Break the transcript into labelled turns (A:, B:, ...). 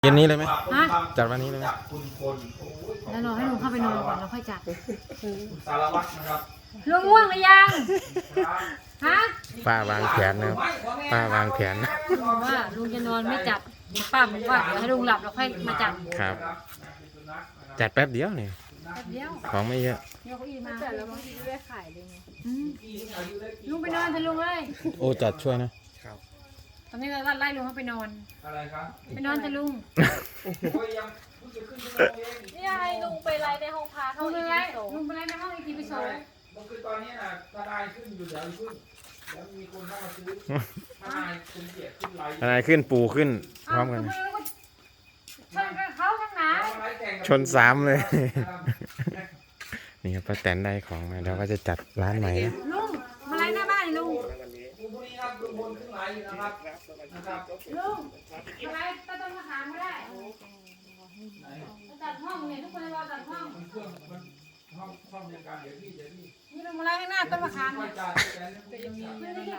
A: เย็นนี้เลยไหม
B: ฮะ
A: จัดวันนี้เลยไหม
B: แล้วรอให้ลุงเข้าไปนอนก่อนแล้วค่อยจัด
C: สารวัตรนะครับ
B: ลุงง่วงหรือยังฮะ
A: ป้าวางแผนนะครับป้าวางแผน
B: ลุงบอกว่าลุงจะนอนไม่จัดป้าบอกว่าเดี๋ยวให้ลุงหลับแล้วค่อยมาจัด
A: ครับ จัดแป๊บเดียวนี่
B: แป๊บเดียว
A: ของไม่เยอะ
B: เดี๋ยวเขาอีมา
D: แต่แล้วบางทีได้ขายเลยไง
B: อืมลุงไปนอนเถอะลุงเอ้ย
A: โอ้จัดช่วยนะ
B: ตอนนี้เราไล่ลุงเขาไปนอน
C: อะไรครับ
B: ไปนอนเถอะลุง
C: โอ้ยยังเพิ่งจะขึ้นชั่วโมงเอง
D: นี่ไงลุงไปไลฟ์ในห้องพา
B: ลุ
D: เข้าง
B: ไป
D: อีก
B: ไล่
D: โซ
B: ลุงไปไล่ในห้องอีกทีไปโซ่
C: เมื่อคืนตอนนี้น่ะทนายขึ้นอยู่เดี๋ยวขึ้นแล้วมีคนเข้ามาซื้อทนายคุณเกียรติขึ้นไลฟ์
A: อะไรขึ้นปูขึ้นพร้อมกัน
B: ชนเขาทั้งหนา
C: ไลฟ์แข่งกับ
A: ชนสามเลย นี่ครับป้าแตนได้ของมาแล้วก็จะจัดร้านใหม่นะ
B: ลุงมาไล่หน้าบ้านลุง
C: คุณผู้นี้ครับลุงพลขึ้นไลฟ์อยู่นะครับนะครับ
B: ลุงมาไล่ต้นมะขามก็ได้จัดห้องเนี่ยทุกคนรอจัดห้อง
C: มันเครื่องมันห้องเดียวกันเดี๋ยวพี่
B: นี่ลุงมาไล่ข้างหน้าต้นมะขาม
C: ค่อย
B: เนี่ย
C: จ่ายแต่เนี่ย
B: ไม่ได้